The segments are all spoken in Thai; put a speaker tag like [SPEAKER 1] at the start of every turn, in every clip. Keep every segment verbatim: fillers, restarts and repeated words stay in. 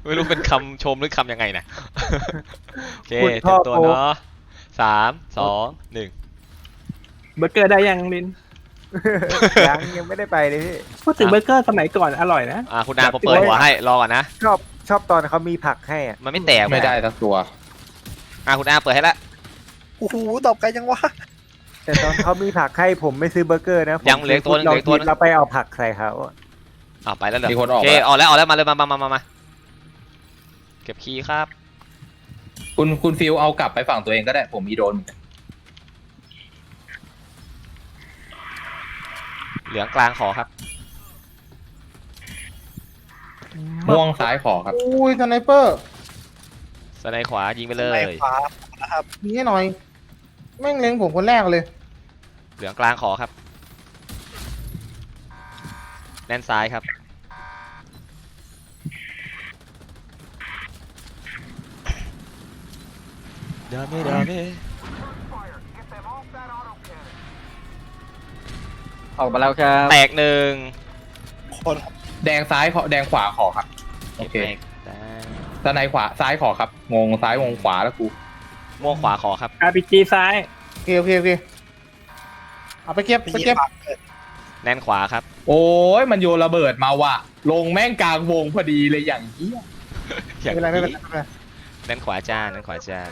[SPEAKER 1] ไม่รู้เป็นคำชมหรือคำยังไงนะโอเค
[SPEAKER 2] คุณ
[SPEAKER 1] เต
[SPEAKER 2] พ่
[SPEAKER 1] รี
[SPEAKER 2] อย
[SPEAKER 1] มตัว
[SPEAKER 2] โป๊ะ
[SPEAKER 1] เนาะสามสองหนึ่ง
[SPEAKER 3] เบอร์เกอร์ได้ยังลิน
[SPEAKER 2] ยังยังไม่ได้ไปเลยพี่
[SPEAKER 3] พูดถึงเบอร์เกอร์สมัยก่อนอร่อยนะ
[SPEAKER 1] อ่ะคุณอาผมเปิดหัวให้รอก่อนนะ
[SPEAKER 2] ชอบชอบตอนเขามีผักให้อ่ะ
[SPEAKER 1] มันไม่แตก
[SPEAKER 4] ไม่ได้ทั้งตัว
[SPEAKER 1] อ่ะคุณอาเปิดให้ละ
[SPEAKER 5] โอ้โหตอบไกลจังวะ
[SPEAKER 2] แต่ตอนเขามีผักให้ผมไม่ซื้อเบอร์เกอร์นะผม
[SPEAKER 1] ยังเหลืออกตัวหนึงเหลืออกตัวหนึง
[SPEAKER 2] เราไปเอาผักใส่เขาอะ
[SPEAKER 1] อ่ะไปแล้วเหรอ
[SPEAKER 4] มีคนออก
[SPEAKER 1] โอเค
[SPEAKER 4] แล้ว
[SPEAKER 1] ออกแล้วออกแล้วมาเลยมามามามามาเก็บคีย์ครับ
[SPEAKER 4] คุณคุณฟิลเอากลับไปฝั่งตัวเองก็ได้ผมมีโดรนเหมือนกัน
[SPEAKER 1] เหลืองกลางขอครับ
[SPEAKER 4] ม่วงซ้ายขอครับ
[SPEAKER 6] อุ้ยสไนเปอร์
[SPEAKER 1] สไนขวายิงไปเล
[SPEAKER 5] ใน
[SPEAKER 1] ย
[SPEAKER 5] ขวานะครับ
[SPEAKER 6] มีให้หน่อย แม่งเล็งผมคนแรกเลย
[SPEAKER 1] เหลืองกลางขอครับแน่นซ้ายครับดาเมดาเม
[SPEAKER 3] ออกมาแล้วครับ
[SPEAKER 1] แตกหนึ่ง
[SPEAKER 5] คน
[SPEAKER 4] แดงซ้ายขอแดงขวาขอครับโอเค
[SPEAKER 1] ได้
[SPEAKER 4] ด้านในขวาซ้ายขอครับงงซ้ายงงขวาแล้วกู
[SPEAKER 1] ม่วงขวาขอครับ
[SPEAKER 3] อาร์พีจีซ้าย
[SPEAKER 6] โอเคโอเคโอเคเอาไปเก็บ
[SPEAKER 5] ไป
[SPEAKER 6] ไป
[SPEAKER 5] เย็
[SPEAKER 6] เก็
[SPEAKER 5] บบ ปากเกิด
[SPEAKER 1] แน่นขวาครับ
[SPEAKER 4] โอ้ยมันโยนระเบิดมาว่ะลงแม่งกลางวงพอดีเลยอย่างเหี้ย
[SPEAKER 1] อย่า
[SPEAKER 6] ไม่
[SPEAKER 1] ง
[SPEAKER 6] เป็นไรไม่เป็นไร
[SPEAKER 1] นี้
[SPEAKER 6] ไม่เป็นไร
[SPEAKER 1] แน่นขวาจ้าแน่นขวาจ้า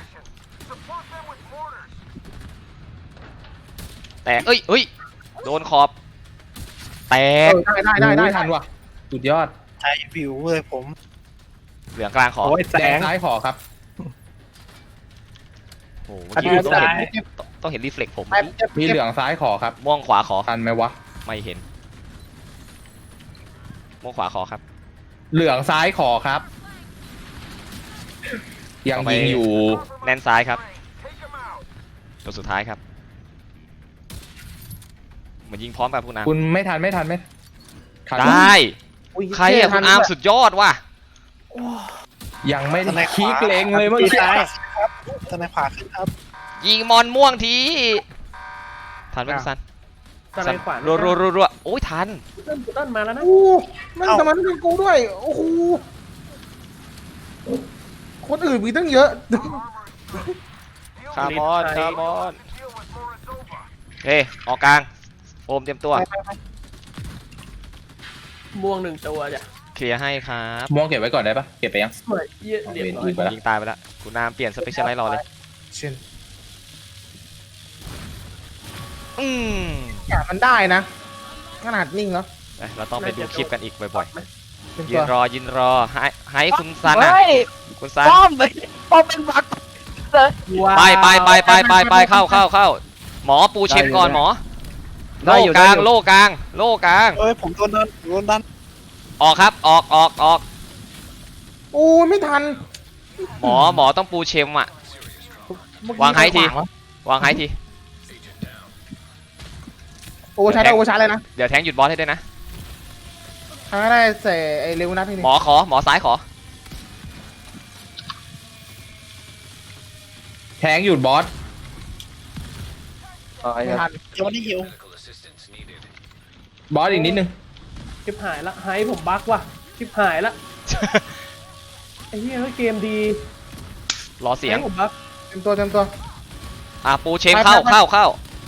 [SPEAKER 1] แตกเอ้ยเอ้ยโดนขอบ แต
[SPEAKER 6] เอก อได้ได้ได้ได้
[SPEAKER 4] ไม่ทันว่ะสุดยอด
[SPEAKER 5] ใช้วิวเลยผม
[SPEAKER 1] เหลืองกลางขอ
[SPEAKER 3] โอ้ยแส
[SPEAKER 4] แดง
[SPEAKER 3] ง
[SPEAKER 4] ซ้ายขอครับ
[SPEAKER 1] โอ้โห
[SPEAKER 3] อันนี้
[SPEAKER 1] เมื่อกี้ต้องเห็น
[SPEAKER 3] ซ้าย
[SPEAKER 1] ต้องต้องเห็นรีเฟล็กผม
[SPEAKER 6] ไปเก็บ
[SPEAKER 4] มี
[SPEAKER 6] เก็บ
[SPEAKER 4] เหลืองซ้ายขอครับ
[SPEAKER 1] ม่วงขวาขอ
[SPEAKER 4] ทันไหมวะ
[SPEAKER 1] ไม่เห็น ม่วงขวาขอครับ
[SPEAKER 4] เหลืองซ้ายขอครับ ยัง
[SPEAKER 1] ต่อไป
[SPEAKER 4] ยิงอยู่
[SPEAKER 1] แน่นซ้ายครับตัวสุดท้ายครับเหมือนยิงพร้อมกับคุณอาร์ม
[SPEAKER 4] คุณไม่ทันไม่ทันไม่ทัน
[SPEAKER 1] ได้
[SPEAKER 6] อุ้ย
[SPEAKER 1] ใครอะคุณอาร์มสุดยอดว่ะ
[SPEAKER 4] ยังไม่
[SPEAKER 5] ทนายขวา
[SPEAKER 4] คลิกเลงเลยเมื่อกี้
[SPEAKER 3] ซ้าย
[SPEAKER 5] ครับทนายขวาขึ้นครับ
[SPEAKER 1] ยิงมอนม่วงทีทันไหมคุณซัน
[SPEAKER 3] สไลด์ขวา
[SPEAKER 1] รัวรัวรัวรัวโอ้ยทัน
[SPEAKER 3] ต้นต้นมาแล้วนะ
[SPEAKER 6] โอ้แม่งทำไมไม่เป็นกูด้วย โอ้โห คนอื่นมีตั้งเยอะ
[SPEAKER 1] คาร์บอนคาร์บอนเฮ้ออกกลางโอมเตรียมตัว
[SPEAKER 3] ม่วงหนึ่งตัวจ้ะ
[SPEAKER 1] เคลียร์ให้ครับ
[SPEAKER 4] ม่วงเก็บไว้ก่อนได้ปะเก็บไปยัง
[SPEAKER 3] สวยเยี่ยเรียบร้อย
[SPEAKER 4] ไปละ
[SPEAKER 1] ยิงตายไปแล้วคุณอาร์มเปลี่ยนสเปเชียลไลท์รอเลย
[SPEAKER 6] เช่น
[SPEAKER 1] อืม
[SPEAKER 6] อย่ามันได้นะ ขนาดนิ่งแล้ว
[SPEAKER 1] เอ้ยเราต้องไปดูคลิปกันอีกบ่อย
[SPEAKER 6] เป็น
[SPEAKER 1] ๆยื
[SPEAKER 6] ตัวน
[SPEAKER 1] รอยืนรอให้ให้คุณซันนะ
[SPEAKER 3] เฮ้ย
[SPEAKER 1] คุณซัน
[SPEAKER 3] ป้อมไปป้อมเป็นบักเลย
[SPEAKER 1] ไปไปไปไปไปไปเข้าเข้าเข้าหมอปูเชมก่อนหมอโล่กลางโล่กลางโล่กลาง
[SPEAKER 5] เอ้ยผมโดนดันโดนดัน
[SPEAKER 1] ออกครับออกออกออก
[SPEAKER 6] โอ้ยไม่ทัน
[SPEAKER 1] หมอหมอต้องปูเชมอ่ะ
[SPEAKER 6] เมื่อกี้
[SPEAKER 1] วางให้ที
[SPEAKER 6] ขววะ
[SPEAKER 1] วางให้ที
[SPEAKER 6] โอ้ใช้ได้โอ้ใช้เลยนะ
[SPEAKER 1] เดี๋ยวแทงหยุดบอสให้ด้วยนะ
[SPEAKER 6] ใช้ได้ใส่ไอ้เร็วนัดที่นี่
[SPEAKER 1] หมอขอหมอซ้ายขอ
[SPEAKER 4] แทงหยุดบอส
[SPEAKER 6] ไม่ทัน
[SPEAKER 5] ยังไม่ได้หิว
[SPEAKER 4] บอสอีกนิดนึง
[SPEAKER 3] ชิบหายละไฮผมบักว่ะชิบหายละไอ้เหี้ยเกมดี
[SPEAKER 1] รอเสียง
[SPEAKER 3] ไฮผมบัก
[SPEAKER 6] เต็มตัวเต็มตัว
[SPEAKER 1] อ่ะปูเชม
[SPEAKER 6] ไป
[SPEAKER 1] เข้า
[SPEAKER 6] ไปไป
[SPEAKER 1] เข้าเข้า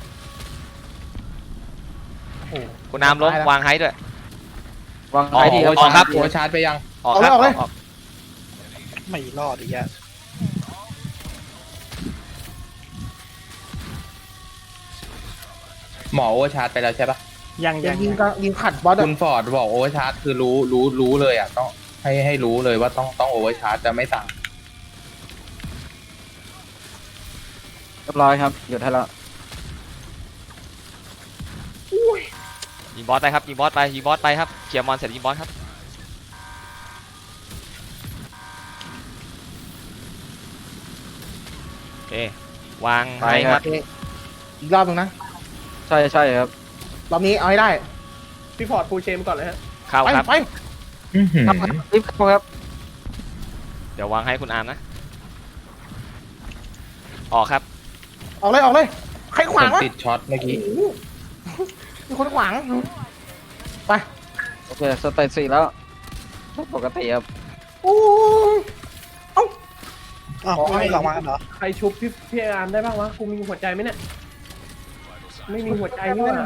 [SPEAKER 6] โอ้โห
[SPEAKER 1] คุณน้ำล้ม
[SPEAKER 6] ตายแล้ว
[SPEAKER 1] วางให้ด้วย
[SPEAKER 3] วาง
[SPEAKER 1] ออก
[SPEAKER 3] ไฮดี
[SPEAKER 1] ออกครับ
[SPEAKER 4] โอชาร์จไปยัง
[SPEAKER 1] ออกครับ
[SPEAKER 6] เอาเลย
[SPEAKER 1] ออก
[SPEAKER 5] ไม่รอดอีกแล้ว
[SPEAKER 4] หมอโอชาร์จไปแล้วใช่ปะ
[SPEAKER 3] ยัง
[SPEAKER 6] ยั
[SPEAKER 3] ยัง ง
[SPEAKER 6] ยิงก็ยิงขัดบอสอะ
[SPEAKER 4] คุณฟอร์ดบอกโอเวอร์ชาร์จคือรู้รู้รู้เลยอ่ะต้องให้ให้รู้เลยว่าต้องต้องโอเวอร์ชาร์จจะไม่สั่ง
[SPEAKER 7] เรียบร้อยครับหยุดให้แล้ว
[SPEAKER 1] ยิงบอสไปครับยิงบอสไปยิงบอสไปครับเคลียร์มอนเสร็จยิงบอสครับโอเควางให้ครับ
[SPEAKER 6] โอเคอีกรอบหนึงนะ
[SPEAKER 7] ใช่ใช่ครับ
[SPEAKER 6] รอบนี้เอาให้ได้
[SPEAKER 3] พี่ฟอร์ดฟูลเชมก่อนเลยฮะ
[SPEAKER 1] เข้า
[SPEAKER 6] ไป
[SPEAKER 1] ครับ
[SPEAKER 6] ไป
[SPEAKER 4] อื้อหือ
[SPEAKER 7] รีบเข้าครับ
[SPEAKER 1] เดี๋ยววางให้คุณอาร์มนะออกครับ
[SPEAKER 6] ออกเลยออกเลย ใครข
[SPEAKER 4] ผ
[SPEAKER 6] วาง
[SPEAKER 4] ม
[SPEAKER 6] วะ
[SPEAKER 4] ติดช็อตเมื่อกี้
[SPEAKER 6] โอ้โหมีคนขวาง ไป
[SPEAKER 7] โอเคสเตจสี่แล้วปกติครับ
[SPEAKER 6] โอ้ย
[SPEAKER 5] อ้าวไม่มีหลังมากันเหรอ
[SPEAKER 3] ใครชุบพี่พี่อาร์มได้บ้างวะกูมีหัวใจไหมเนี่ยไม่มีหัวใจนี่หว่า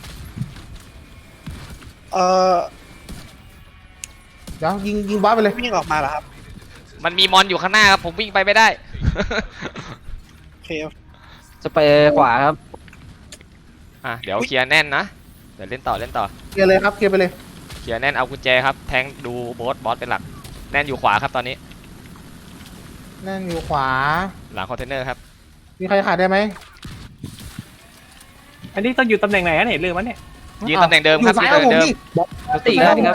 [SPEAKER 5] เออ
[SPEAKER 6] เดี๋ยวยิงยิงบอสไปเลย
[SPEAKER 5] วิ่งออกมาเหรอครับ
[SPEAKER 1] มันมีมอนอยู่ข้างหน้าครับผมวิ่งไปไม่ได้
[SPEAKER 5] โอเค
[SPEAKER 7] สเปรย์ขวาครับ
[SPEAKER 1] อ่ะเดี๋ยวเคลียร์แน่นนะเดี๋ยวเล่นต่อเล่นต่อ
[SPEAKER 6] เคลียร์เลยครับเคลียร์ไปเลย
[SPEAKER 1] เคลียร์แน่นเอากุญแจครับแทงดูบอสบอสเป็นหลักแน่นอยู่ขวาครับตอนนี้
[SPEAKER 6] นั่นอยู่ขวา
[SPEAKER 1] หลังคอนเทนเนอร์ครับ
[SPEAKER 6] มีใครขาดได้ไหม
[SPEAKER 3] อันนี้ต้องอยู่ตำแหน่งไหนกันเนี่ยลืมมันเนี่ย
[SPEAKER 1] ยืนตำแหน่งเดิม
[SPEAKER 6] อ
[SPEAKER 1] ครับ
[SPEAKER 6] ยู่ซ้าย
[SPEAKER 1] ยืน
[SPEAKER 6] กับ
[SPEAKER 1] ตำแห
[SPEAKER 6] ผ
[SPEAKER 1] น่
[SPEAKER 6] ม
[SPEAKER 1] งเดิม
[SPEAKER 6] ดิ
[SPEAKER 7] ตีครับ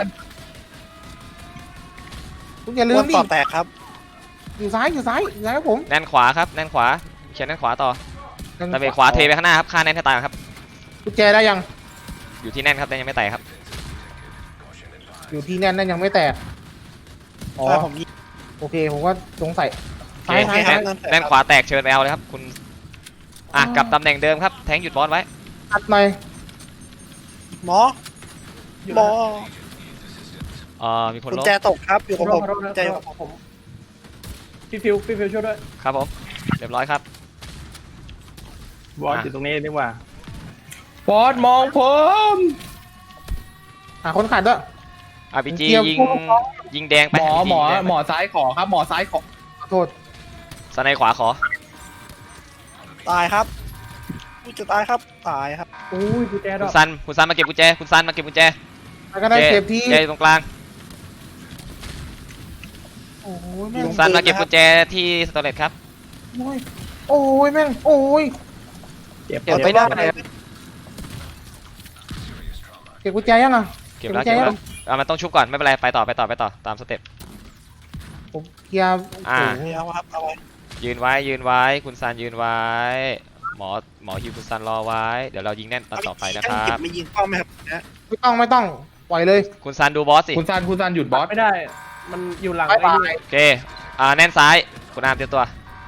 [SPEAKER 6] คุณอย่าลื
[SPEAKER 5] ว
[SPEAKER 6] ม
[SPEAKER 5] น
[SPEAKER 6] ดิ
[SPEAKER 5] ต่อแตกครับ
[SPEAKER 6] อยู่ซ้ายอยู่ซ้ายอยู่ซ้ายกับผม
[SPEAKER 1] แน่นขวาครับแน่นขวาเขียนแน่นขวาต่อตะเบะขวาเทไปข้างหน้าครับค่าแน่นให้ตายครับ
[SPEAKER 6] กุญแจได้ยัง
[SPEAKER 1] อยู่ที่แน่นครับแต่ยังไม่แตกครับ
[SPEAKER 6] อยู่ที่แน่นนั่นยังไม่แตกอ๋อ
[SPEAKER 5] ใช่ผมยิง
[SPEAKER 6] โอเคผมก็สงสัย
[SPEAKER 1] โอ
[SPEAKER 6] ซ้าย
[SPEAKER 1] เค
[SPEAKER 6] ซ้าย
[SPEAKER 1] แน่
[SPEAKER 6] ซ้าย
[SPEAKER 1] นแน่นขวาแตกเชิญไปเอาเลยครับคุณอ่ะกลับตำแหน่งเดิมครับแทงหยุดบอสไว้
[SPEAKER 6] อัดหน่อย
[SPEAKER 5] หมอหมอ
[SPEAKER 1] เอ่อมีคน
[SPEAKER 5] กุญ
[SPEAKER 1] ล้ม
[SPEAKER 5] แจตกครับอยู่
[SPEAKER 3] ข
[SPEAKER 5] กั
[SPEAKER 3] อบ โท
[SPEAKER 5] ผ
[SPEAKER 3] ษ
[SPEAKER 5] ม
[SPEAKER 3] ขอโทษ
[SPEAKER 5] กุญแจอยู่กับผม
[SPEAKER 3] ผมพี่ฟิวพี่ฟิวช่วยด้วย
[SPEAKER 1] ครับผมเรียบร้อยครับ
[SPEAKER 3] บอสอยู่ตรงนี้ดีกว่า
[SPEAKER 4] บอสมองผม
[SPEAKER 6] หาคนขาดด้วย
[SPEAKER 1] อาร์พีจี
[SPEAKER 6] เกี่ยว
[SPEAKER 1] ยิง
[SPEAKER 6] พวกน้อง
[SPEAKER 1] ยิงแดงไป
[SPEAKER 4] หมอ
[SPEAKER 1] R P G
[SPEAKER 4] หมอ
[SPEAKER 1] ยิงแดงไป
[SPEAKER 4] หมอซ้ายขอครับ หมอซ้ายขอ
[SPEAKER 6] ขอโทษ
[SPEAKER 1] สไนขวาขอ
[SPEAKER 5] ตายครับกูจะตายครับตายครับ
[SPEAKER 3] อุ้ยกุญแจด
[SPEAKER 1] คุ
[SPEAKER 3] อ
[SPEAKER 1] ณ
[SPEAKER 3] ก
[SPEAKER 1] ซันคุณซันมาเก็บกุญแจคุณซันมาเก็บกุญแจ
[SPEAKER 6] ใครก็ได้เก็บที่
[SPEAKER 1] เจอยู่ตรงกลาง
[SPEAKER 6] โอ้ยแม่ง
[SPEAKER 1] คุณซันมาเก็บกุญแจที่สโตรเลตครับ
[SPEAKER 6] โอ้ยโอ้ยแม่งโอ้ย
[SPEAKER 3] เจ็บ
[SPEAKER 7] เก็บไม่ได้ครับ
[SPEAKER 6] เก็บกุญแจยังอ่ะ
[SPEAKER 1] เก็บแล้ว
[SPEAKER 6] เก็
[SPEAKER 1] เก็
[SPEAKER 6] บบ กุญแจ
[SPEAKER 1] แล้วอ่ะมันต้องชุบก่อนไม่เป็นไรไปต่อไปต่อไปต่อตามสเต็ป
[SPEAKER 6] ผมเคลียร์
[SPEAKER 1] อ่า
[SPEAKER 5] ไม่เอาครับเอาไว้
[SPEAKER 1] ยืนไว้ยืนไว้คุณซันยืนไว้ หมอหมอฮิวคุณซันรอไว้เดี๋ยวเรายิงแน่นตอนต่อไปนะครั
[SPEAKER 5] เก็
[SPEAKER 1] บ
[SPEAKER 5] ไม่ยิงเป้าไหมครับนะ
[SPEAKER 6] ไม่ต้องไม่ต้องปล่อยเลย
[SPEAKER 1] คุณซันดูบอสสิ
[SPEAKER 4] คุณซันคุณซันหยุดบอส
[SPEAKER 3] ไม่ได้ มันอยู่หลัง
[SPEAKER 6] บาย
[SPEAKER 3] ไอ้
[SPEAKER 6] บา
[SPEAKER 3] นี่
[SPEAKER 6] ย
[SPEAKER 1] โอเคอ่าแน่นซ้ายคุณอามเตรียมตัว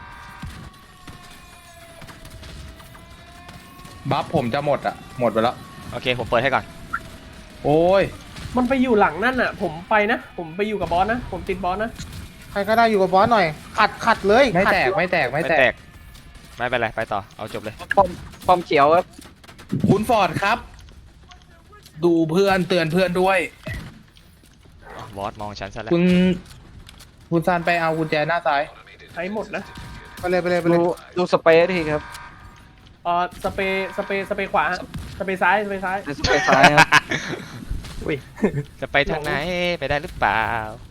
[SPEAKER 4] บัฟผมจะหมดอ่ะ หมดไปแล้ว
[SPEAKER 1] โอเคผมเปิดให้ก่อน
[SPEAKER 4] โอ้ย
[SPEAKER 3] มันไปอยู่หลังนั่นอ่ะ ผมไปนะ ผมไปอยู่กับบอสนะ ผมติดบอสนะ
[SPEAKER 6] ใครก็ได้อยู่กับบอสหน่อย ขัดขัดเลย
[SPEAKER 4] ไม่
[SPEAKER 6] ขัด
[SPEAKER 4] แตกไม่แตกไม่
[SPEAKER 1] ไม่
[SPEAKER 4] แต
[SPEAKER 1] แต
[SPEAKER 4] ก
[SPEAKER 1] กไม่เป็นไรไปต่อเอาจบเลย
[SPEAKER 7] ป้อมป้อมเขียวครับ
[SPEAKER 4] คุณฟอร์ดครับ ดูเพื่อนเตือนเพื่อนด้วย
[SPEAKER 1] อ๋อบอสมองฉันซะแล้ว
[SPEAKER 4] คุณ คุณซันไปเอากุญแจหน้าซ้าย
[SPEAKER 3] ใช้หมดนะ
[SPEAKER 6] ไปเลยไปเลยไปเลย
[SPEAKER 7] ดูดูสเปรย์ทีครับ
[SPEAKER 3] เอ่อสเปรย์สเปรย์สเปรย์ขวา สเปรย์ซ้าย สเปรย์ซ้าย
[SPEAKER 7] สเปรย์ซ้ายครับ
[SPEAKER 3] อุ้ย
[SPEAKER 1] จะไปทางไหนไปได้หรือเปล่า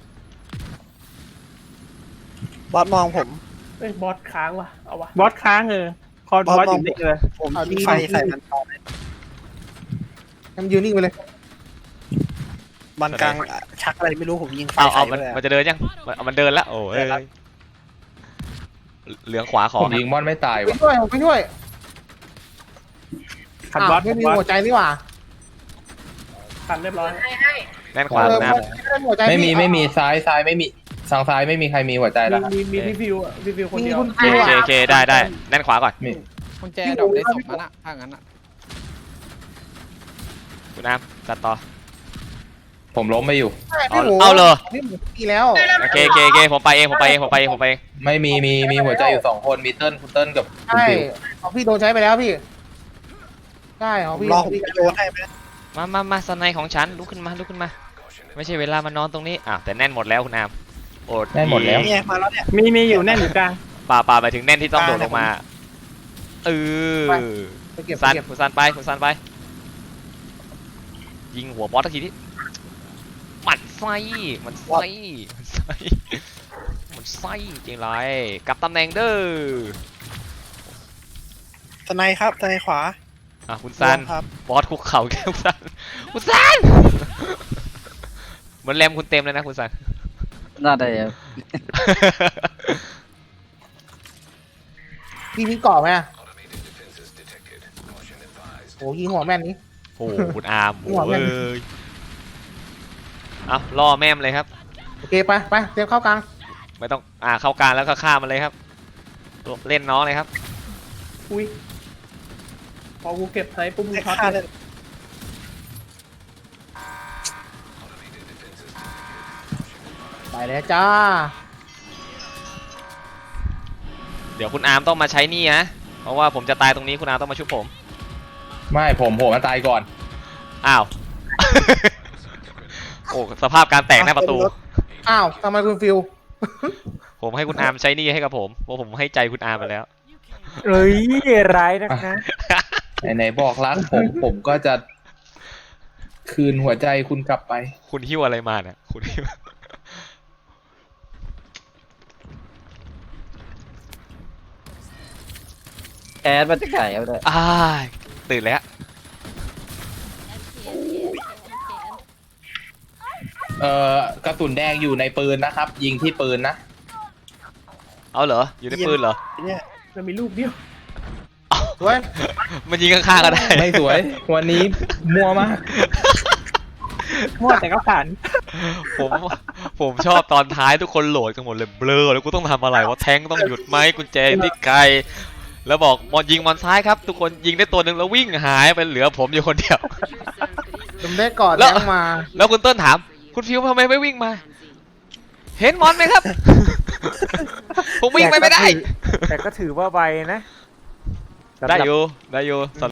[SPEAKER 5] บอสมองผม
[SPEAKER 3] เอ้ยบอสค้างว่ะ เอาวะ
[SPEAKER 8] บอสค้างเออคอบ
[SPEAKER 5] อส
[SPEAKER 8] บอส
[SPEAKER 5] ม
[SPEAKER 8] อ
[SPEAKER 5] อง
[SPEAKER 8] ยู่
[SPEAKER 5] ผม
[SPEAKER 8] นี่เลย
[SPEAKER 5] ผมยิงไฟใส่มันตอน
[SPEAKER 6] ให้มันยืนนิ่งไปเลย
[SPEAKER 5] มันกลางชักอะไรไม่รู้ผมยิงไฟ
[SPEAKER 1] เอาเอา
[SPEAKER 5] ใส่
[SPEAKER 1] มัน
[SPEAKER 5] เลย
[SPEAKER 1] มันจะเดินยังมันเอามันเดินแล้วโอ้ยเหลืองขวาขอ
[SPEAKER 4] ผมยิงบอสไม่ตาย
[SPEAKER 6] ไป
[SPEAKER 4] ว่ะ
[SPEAKER 6] ช่วยผมไปช่วย
[SPEAKER 8] ขัด
[SPEAKER 6] อ้าว
[SPEAKER 8] บอส
[SPEAKER 6] ไม่มี
[SPEAKER 8] บอส
[SPEAKER 6] หัวใจนี่หว่า
[SPEAKER 3] ตันเรียบร้อย
[SPEAKER 1] แน่นขวา
[SPEAKER 6] เอ
[SPEAKER 1] คุ
[SPEAKER 6] อ
[SPEAKER 1] ณน้
[SPEAKER 6] ไม่ได้หัวใจ
[SPEAKER 4] ไม่มี
[SPEAKER 6] พี่
[SPEAKER 4] ไม่มีซ้ายซ้ายไม่มีทางซ้ายไม่มีใครมีหัวใจแล้วครับ
[SPEAKER 3] มีมีพี่ฟิวอ่ะพี่ฟิวคน
[SPEAKER 6] มี
[SPEAKER 3] เดียว
[SPEAKER 6] คุณ
[SPEAKER 1] ำ
[SPEAKER 6] ครู
[SPEAKER 1] โอเค
[SPEAKER 6] อ่ะ
[SPEAKER 1] โอเคได้ได้แน่นขวาก่อน
[SPEAKER 4] มี
[SPEAKER 7] กุญแจดอกได้สองนัดอะถ้างั้นอะ
[SPEAKER 1] คุณน้ำจัดต่อ
[SPEAKER 4] ผมล้มไปอยู่
[SPEAKER 6] ใช่พี่หมู
[SPEAKER 1] เอาเลย
[SPEAKER 6] พี่หมูมีแล้ว
[SPEAKER 1] โอเคโอเคโอเคผมไปเองผมไปเองผมไปเองผมไปเอง
[SPEAKER 4] ไม่มีมีมีหัวใจอยู่สองคนมีเติ้ลคุณเติ้ลกับคุณ
[SPEAKER 6] ใช่
[SPEAKER 4] ฟิว
[SPEAKER 6] ของพี่โดนใช้ไปแล้วพี่ใช่ของ
[SPEAKER 5] ผม
[SPEAKER 6] พี่
[SPEAKER 5] รอ
[SPEAKER 6] ข
[SPEAKER 5] ผ
[SPEAKER 6] อง
[SPEAKER 5] ม
[SPEAKER 6] พี่
[SPEAKER 5] โยนให้ไหม
[SPEAKER 1] มามามาสไนของฉันลุกขึ้นมาลุกขึ้นมา ไม่ใช่เวลามานอนตรงนี้อ่ะแต่แน่นหมดแล้วคุณน้ำโอด
[SPEAKER 4] ได้หมดแล้ว
[SPEAKER 5] เนี่ยมาแล้วเนี่ย
[SPEAKER 8] มีมีอยู่แน่นอยู่กลาง
[SPEAKER 1] ป่าป่าไปถึงแน่นที่ต้องโดดลงมาเออ
[SPEAKER 6] ไปเก็บไป
[SPEAKER 1] ซัน
[SPEAKER 6] เก็บ
[SPEAKER 1] คุณซันไปคุณซันไป ยิงหัวบอสทักทีที่หมัดไส้มันไส้มันไส้มันไส้จริงเลยกลับตำแหน่งเด้อ
[SPEAKER 5] ทนายครับทนายขวา
[SPEAKER 1] อ่ะคุณซัน
[SPEAKER 5] รวมครับ
[SPEAKER 1] บอสคุกเข่าแก้วซันคุณซันเหมือนแรมคุณเต็มเลยนะคุณซัน
[SPEAKER 7] น่าได้ครับ
[SPEAKER 6] พี่มีเกาะไหมอะโอ้ยิงหัวแม่นนี้
[SPEAKER 1] โอ้โหคุณอาร์ม
[SPEAKER 6] หัวแม่
[SPEAKER 1] โอ้
[SPEAKER 6] น
[SPEAKER 1] ยเอาล่อแม่มเลยครับ
[SPEAKER 6] โอเคไปไปเตรียมเข้ากลาง
[SPEAKER 1] ไม่ต้องอ่าเข้ากลางแล้วก็ฆ่ามันเลยครับ เล่นน้องเลยครับ
[SPEAKER 3] อุ้ย พอกูเก็บไฮปุ๊บมึง
[SPEAKER 5] ให้
[SPEAKER 3] ช็อต
[SPEAKER 5] ฆ่า
[SPEAKER 3] เล
[SPEAKER 5] ได้
[SPEAKER 3] ย
[SPEAKER 6] ไปแล้วจ้า
[SPEAKER 1] เดี๋ยวคุณอาร์มต้องมาใช้นี่นะเพราะว่าผมจะตายตรงนี้คุณอาร์มต้องมาชุบผม
[SPEAKER 4] ไม่ผมผมมันตายก่อน
[SPEAKER 1] อ้าว โอ้สภาพการแตกหน้าประตู
[SPEAKER 6] อ้าวทำไมคุณฟิล
[SPEAKER 1] ผมให้คุณอาร์มใช้นี่ให้กับผมเพราะผมให้ใจคุณอาร์มไปแล้ว
[SPEAKER 2] เอ้ยร้ายนักนะ
[SPEAKER 4] ไหนๆบอกรักผมผมก็จะคืนหัวใจคุณกลับไป
[SPEAKER 1] คุณหิ้วอะไรมาเนี่ยคุณหิ้ว
[SPEAKER 7] แอดมันจะไก่เอาเลย
[SPEAKER 1] อ้ายตื่นแล้ว
[SPEAKER 4] เอ่อกระสุนแดงอยู่ในปืนนะครับ ยิงที่ปืนนะ
[SPEAKER 1] เอาเหรออยู่ในปืนเหรอ
[SPEAKER 5] เนี่ย
[SPEAKER 3] มันมีลูกเดียว
[SPEAKER 6] สวย
[SPEAKER 1] มันยิงข้างๆก็ได้
[SPEAKER 4] ไม่สวย วันนี้มัวมาก
[SPEAKER 8] มั่วแต่ก็ผ่าน
[SPEAKER 1] ผมผมชอบตอนท้ายทุกคนโหลดกันหมดเลยเบลอแล้วกูต้องทำอะไรวะแทงต้องหยุดไหมกุญแจที่ไกลแล้วบอกมอนยิงมอนซ้ายครับ ทุกคนยิงได้ตัวหนึ่งแล้ววิ่งหายไปเหลือผมอยู่คนเดียว
[SPEAKER 6] ผมได้กอด
[SPEAKER 1] แล้
[SPEAKER 6] แล้
[SPEAKER 1] ว
[SPEAKER 6] งมา
[SPEAKER 1] แล้วคุณเติ้ลถาม คุณฟิวทำไมไม่วิ่งมา เห็นมอนไหมครับ ผมวิ่งไปไม่ได้
[SPEAKER 2] แต่ก็ถือว่าไวนะสำหรับ
[SPEAKER 1] ได้อยู่ได้อยู่